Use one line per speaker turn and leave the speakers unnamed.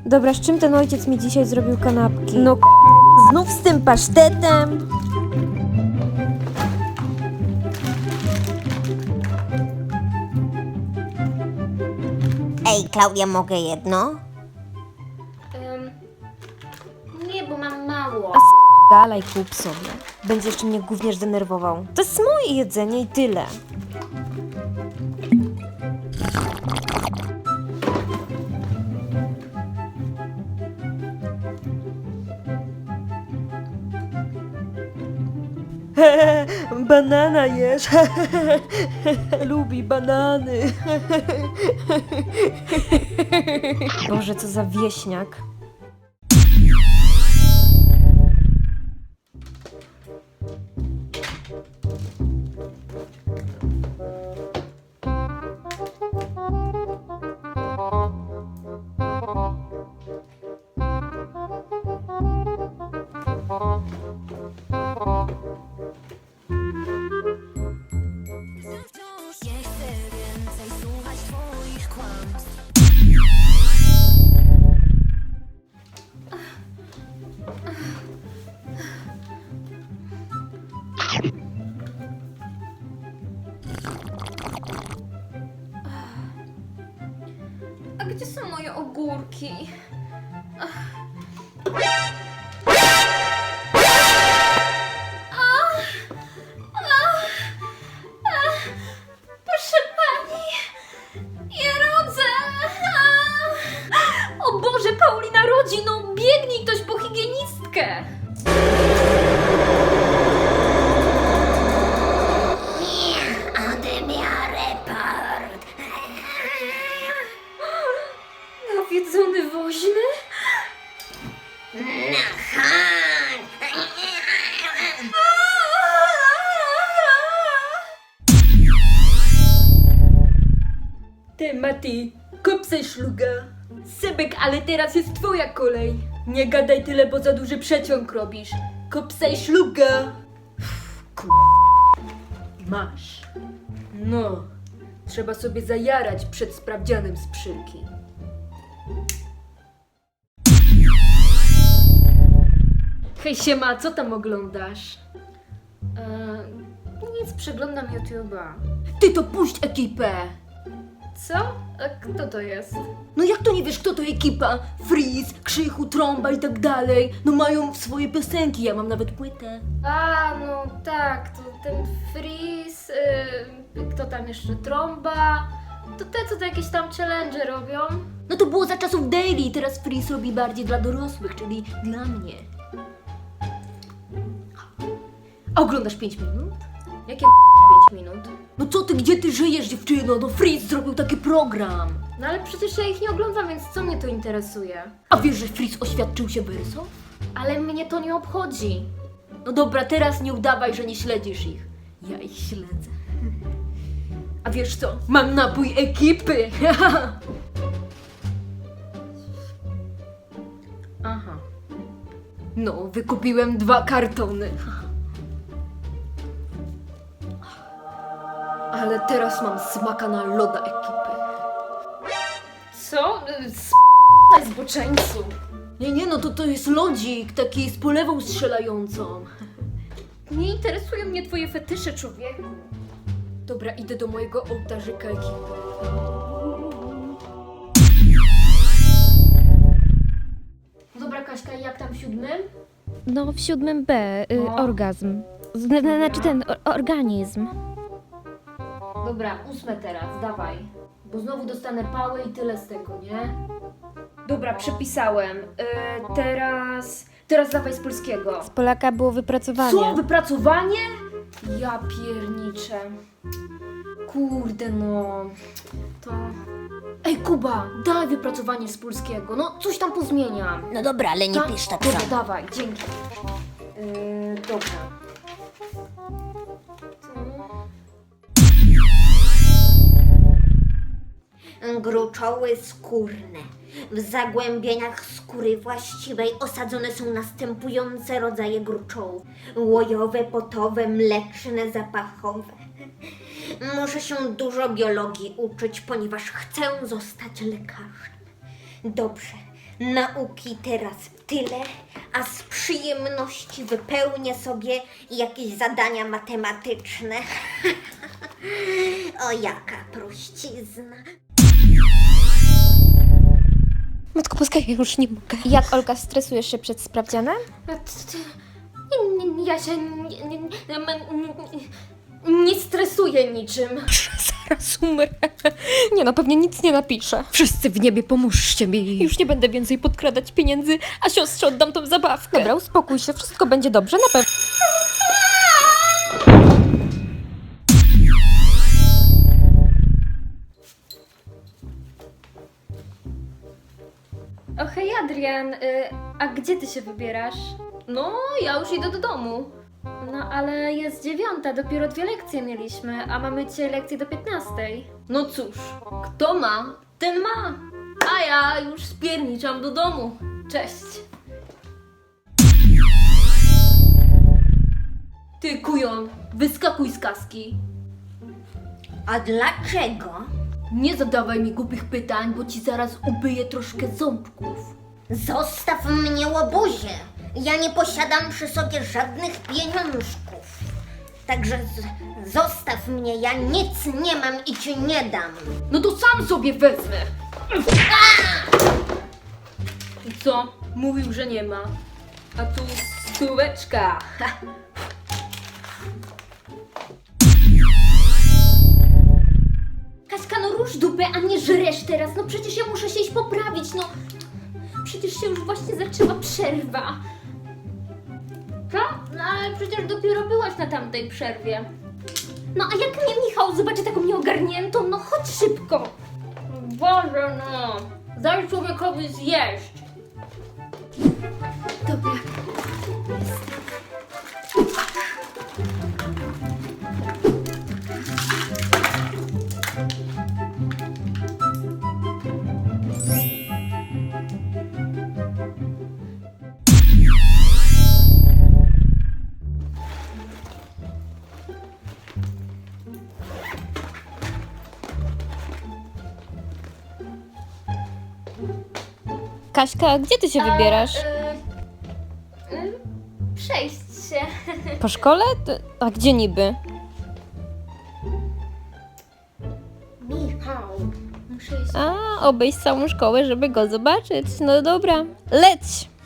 Dobra, z czym ten ojciec mi dzisiaj zrobił kanapki? No znów z tym pasztetem.
Ej, Klaudia, mogę jedno?
Nie, bo mam mało.
Dalej kup sobie. Będzie jeszcze mnie gówniarz denerwował. To jest moje jedzenie i tyle. Banana jesz. Lubi banany. Boże, co za wieśniak.
Nie chcę więcej słuchać twoich kłamstw.
A gdzie są moje ogórki? Proszę pani, ja rodzę! O Boże, Paulina rodzi, no biegnij ktoś po higienistkę!
Odbiorę report.
Nawiedzony woźny?
Ty, Mati, kup se szluga. Sebek, ale teraz jest twoja kolej. Nie gadaj tyle, bo za duży przeciąg robisz. Kup se szluga. Kur... Masz. No, trzeba sobie zajarać przed sprawdzianem z przyrki. Hej, siema, co tam oglądasz?
Nic, przeglądam YouTube'a.
Ty to puść ekipę!
Co? A kto to jest?
No jak to nie wiesz, kto to ekipa? Freeze, Krzychu, Trąba i tak dalej. No mają swoje piosenki, ja mam nawet płytę.
A, no tak, to ten Freeze, kto tam jeszcze, Trąba, to te, co to jakieś tam challenge robią.
No to było za czasów daily, teraz Freeze robi bardziej dla dorosłych, czyli dla mnie. A oglądasz 5 minut?
Jakie 5 minut?
No co ty, gdzie ty żyjesz, dziewczyno? No Freeze zrobił taki program.
No ale przecież ja ich nie oglądam, więc co mnie to interesuje?
A wiesz, że Freeze oświadczył się Verso?
Ale mnie to nie obchodzi.
No dobra, teraz nie udawaj, że nie śledzisz ich. Ja ich śledzę. A wiesz co? Mam napój ekipy! Aha. No, wykupiłem 2 kartony. Ale teraz mam smaka na loda ekipy.
Co? S***aj zboczeńcu.
Nie, no to jest lodzik, taki z polewą strzelającą.
Nie interesują mnie twoje fetysze, człowieku.
Dobra, idę do mojego ołtarzyka ekipy. Dobra, Kaśka, jak tam w 7?
No w 7B,
No.
orgazm. Znaczy ten organizm.
Dobra, 8 teraz, dawaj. Bo znowu dostanę pałę i tyle z tego, nie? Dobra, przepisałem. Teraz dawaj z polskiego.
Z Polaka było wypracowanie.
Co? Wypracowanie? Ja pierniczę. Kurde no. To... Ej, Kuba, daj wypracowanie z polskiego. No, coś tam pozmieniam.
No dobra, ale nie pisz tak
Dobra,
samo.
dawaj, dzięki. Dobra.
Gruczoły skórne. W zagłębieniach skóry właściwej osadzone są następujące rodzaje gruczołów. Łojowe, potowe, mleczne, zapachowe. Muszę się dużo biologii uczyć, ponieważ chcę zostać lekarzem. Dobrze, Nauki teraz tyle, a z przyjemności wypełnię sobie jakieś zadania matematyczne. O, jaka prościzna.
Matko Boska, ja już nie mogę. Jak, Olka, stresujesz się przed sprawdzianem?
Ja się nie stresuję niczym.
Zaraz umrę. Nie no, pewnie nic nie napiszę. Wszyscy w niebie, pomóżcie mi. Już nie będę więcej podkradać pieniędzy, a siostrze oddam tą zabawkę. Dobra, uspokój się, wszystko będzie dobrze, na pewno.
O hej Adrian, a gdzie ty się wybierasz? No, ja już idę do domu. No ale jest 9, dopiero 2 lekcje mieliśmy, a mamy dzisiaj lekcje do 15.
No cóż, kto ma, ten ma. A ja już spierniczam do domu.
Cześć.
Ty, kujon, wyskakuj z kaski.
A dlaczego?
Nie zadawaj mi głupich pytań, bo ci zaraz ubyję troszkę ząbków.
Zostaw mnie, łobuzie! Ja nie posiadam przy sobie żadnych pieniążków. Także zostaw mnie, ja nic nie mam i ci nie dam.
No to sam sobie wezmę. I co? Mówił, że nie ma. A tu stóweczka. Ha.
Kaśka, no rusz dupę, a nie żresz teraz. No przecież ja muszę się iść poprawić, no. Przecież się już właśnie zaczęła przerwa. Co? No ale przecież dopiero byłaś na tamtej przerwie. No a jak mnie Michał zobaczy taką nieogarniętą, no chodź szybko.
Boże no. Daj człowiekowi zjeść.
Dobra.
Kaśka, gdzie ty się wybierasz?
Przejść się.
Po szkole? A gdzie niby?
Michał, muszę iść.
A, obejść całą szkołę, żeby go zobaczyć. No dobra, leć!